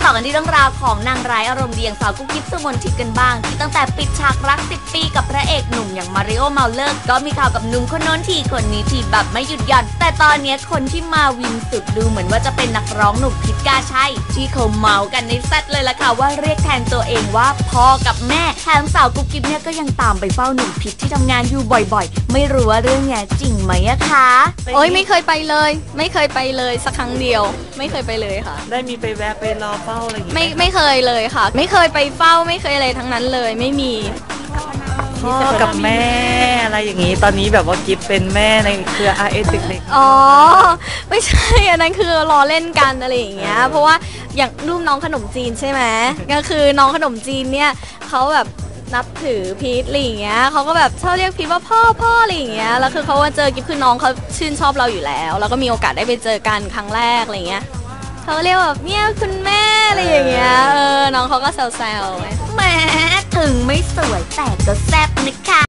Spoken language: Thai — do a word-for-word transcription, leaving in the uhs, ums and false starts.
อกันที่เรื่องราวของนางร้ายอารมณ์ดีอย่างสาวกุ๊กกิ๊บสุมนทิพย์กันบ้างที่ตั้งแต่ปิดฉากรักสิบปีกับพระเอกหนุ่มอย่างมาริโอเมาเลอร์ก็มีข่าวกับหนุ่มคนโน้นทีคนนี้ทีแบบไม่หยุดหย่อนแต่ตอนนี้คนที่มาวินสุดดูเหมือนว่าจะเป็นนักร้องหนุ่มพิษกาชัยที่เขาเมากันในแซดเลยล่ะค่ะว่าเรียกแทนตัวเองว่าพ่อกับแม่แถมสาวกุ๊กกิ๊บเนี่ยก็ยังตามไปเฝ้าหนุ่มพิษที่ทำงานอยู่บ่อยๆไม่รู้ว่าเรื่องนี้จริงไหมอะคะโอ๊ยไม่เคยไปเลยไม่เคยไปเลยสักครั้งเดียวไม่เคยไปเลยค่ะได้มีไปแวะไปรอเฝ้าอะไรอย่างงี้ไม่ไม่เคยเลยค่ะไม่เคยไปเฝ้าไม่เคยอะไรทั้งนั้นเลยไม่มีพ่อกับแม่อะไรอย่างนี้ตอนนี้แบบว่ากิฟเป็นแม่ในเครือ อาร์ เอส เด็กๆอ๋อไม่ใช่อันนั้นคือล้อเล่นกันอะไรอย่างเงี้ยเพราะว่าอย่างรูปน้องขนมจีนใช่ไหมก็คือน้องขนมจีนเนี่ยเขาแบบนับถือพีทอะไรอย่างเงี้ยเขาก็แบบชอบเรียกพีทว่าพ่อพ่ออะไรอย่างเงี้ยแล้วคือเขาว่าเจอกิฟคือน้องเขาชื่นชอบเราอยู่แล้วแล้วก็มีโอกาสได้ไปเจอกันครั้งแรกอะไรเงี้ยเขาเรียกแบบเนี่ยคุณแม่อะไรอย่างเงี้ยเออน้องเขาก็แซวๆแหมถึงไม่สวยแต่ก็แซ่บนะคะ